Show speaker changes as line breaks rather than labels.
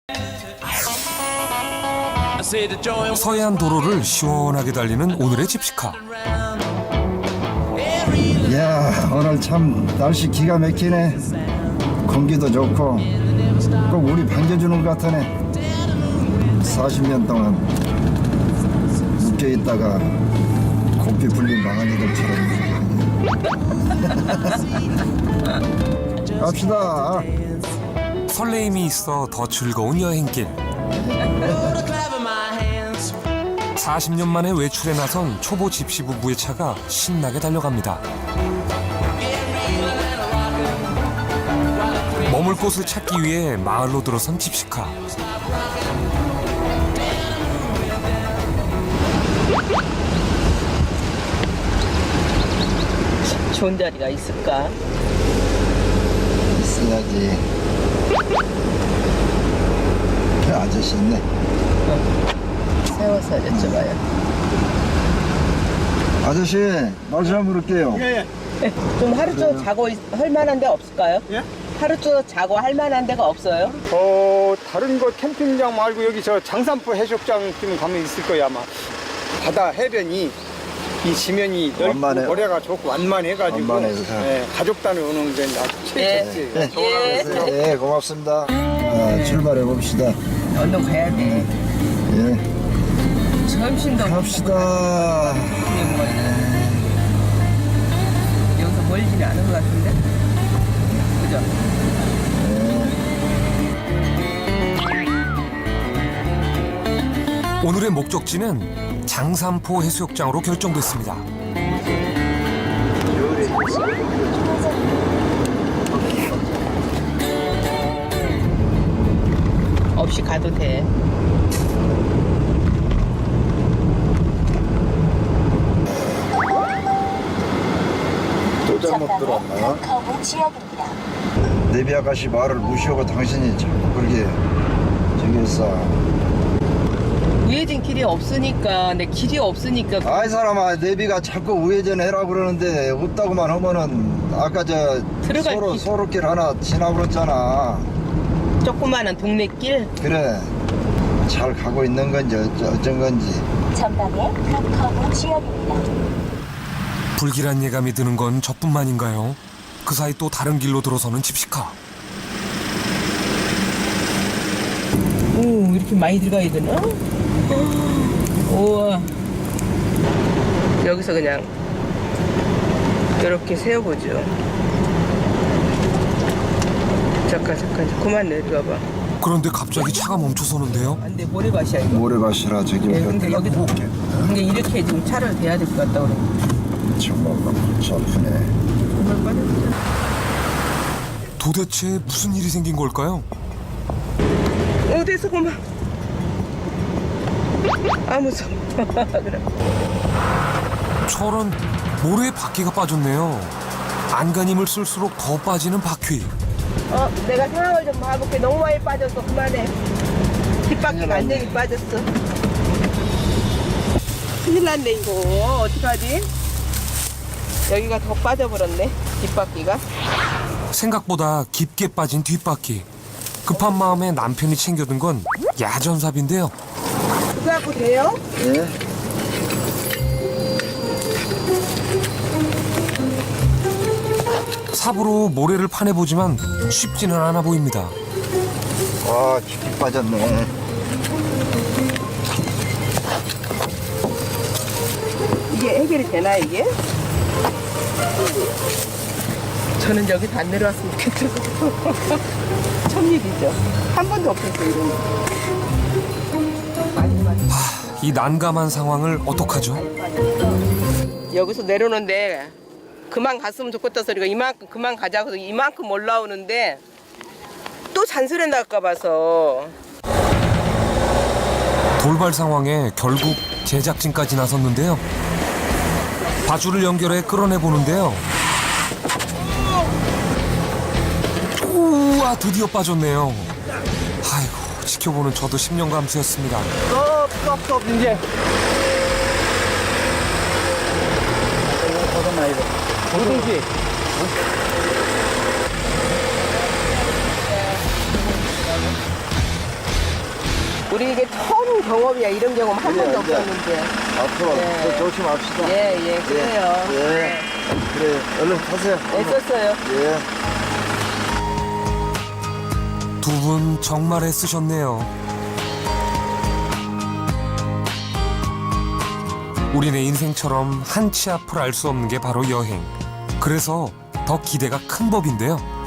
서해안 도로를 시원하게 달리는 오늘의 집시카.
이야, 오늘 참 날씨 기가 막히네. 공기도 좋고 꼭 우리 반겨주는 것 같으네. 40년 동안 묶여있다가 고삐 불린 망아지들처럼 갑시다.
설레임이 있어 더 즐거운 여행길. 40년 만에 외출에 나선 초보 집시 부부의 차가 신나게 달려갑니다. 머물 곳을 찾기 위해 마을로 들어선 집시카.
좋은 자리가 있을까?
있어야지. 그 아저씨 있네.
세워서 여쭤봐요.
아저씨, 말 좀 물을게요.
좀 하루 종일 자고 할 만한 데 없을까요?
예?
하루 종일 자고 할 만한 데가 없어요?
다른 거 캠핑장 말고 여기 저 장산포 해수욕장 좀 가면 있을 거야 아마. 바다 해변이 이 지면이 넓고
완만해요.
모래가 좋고 완만해가지고
완만해서.
예, 가족단을 오는 데 아주 최적지.
예, 고맙습니다. 출발해 봅시다.
얼른 가야 돼.
예,
점심도
갑시다.
여기서 멀지는 않은 것 같은데? 그죠?
오늘의 목적지는 장산포 해수욕장으로 결정됐습니다.
없이 가도 돼.
또 잘못 들었나? 내비 아가씨 말을 무시하고 당신이 자꾸 그렇게 저기 했어.
우회전 길이 없으니까, 내 길이 없으니까.
아이 사람아, 내비가 자꾸 우회전 해라 그러는데 없다고만 하면은 아까 저
들어갈 길.
소로길 하나 지나버렸잖아.
조그마한 동네 길?
그래, 잘 가고 있는 건지 어쩐 건지.
전방에 커브 지역입니다.
불길한 예감이 드는 건 저뿐만인가요? 그 사이 또 다른 길로 들어서는 집시카.
오, 이렇게 많이 들어가야 되나? 우와. 여기서 그냥 이렇게 세워보죠. 잠깐, 그만 내려가봐.
그런데 갑자기 차가 멈춰서는데요.
안 돼, 모래밭이야, 이거.
모래밭이라 저기
예, 근데 여기도 근데 이렇게 좀 차를 대야 될 것 같다 그래.
정말 골치 아프네.
도대체 무슨 일이 생긴 걸까요?
어디서 그만. 아, 무서워. 그래.
저런 모래에 바퀴가 빠졌네요. 안간힘을 쓸수록 더 빠지는 바퀴.
내가 상황을 좀 봐볼게. 너무 많이 빠졌어. 그만해. 뒷바퀴 완전히 빠졌어. 큰일 났네, 이거. 어떡하지? 여기가 더 빠져버렸네, 뒷바퀴가.
생각보다 깊게 빠진 뒷바퀴. 급한 마음에 남편이 챙겨둔 건 야전삽인데요.
그거 갖고 돼요?
예?
삽으로 모래를 파내보지만 쉽지는 않아 보입니다.
와, 깊이 빠졌네.
이게 해결이 되나, 이게? 저는 여기서 안 내려왔으면 좋겠어요. 첫일이죠. 한 번도 없었어요, 이런 거.
이 난감한 상황을 어떡하죠?
여기서 내려오는데 그만 갔으면 좋겠다 소리가 이만큼 그만 가자고 해서 이만큼 올라오는데 또 잔소리 날까 봐서.
돌발 상황에 결국 제작진까지 나섰는데요. 바줄을 연결해 끌어내 보는데요. 우와, 드디어 빠졌네요. 아이고, 지켜보는 저도 심령감수였습니다.
스톱 이제. 뭐든지.
우리 이게 처음 경험이야. 이런 경험 한
그래,
번도
이제.
없었는데.
앞으로
네.
더 조심합시다.
예, 그래요.
예. 그래, 얼른 타세요.
애썼어요.
예.
두 분 정말 애쓰셨네요. 우리네 인생처럼 한치 앞을 알 수 없는 게 바로 여행. 그래서 더 기대가 큰 법인데요.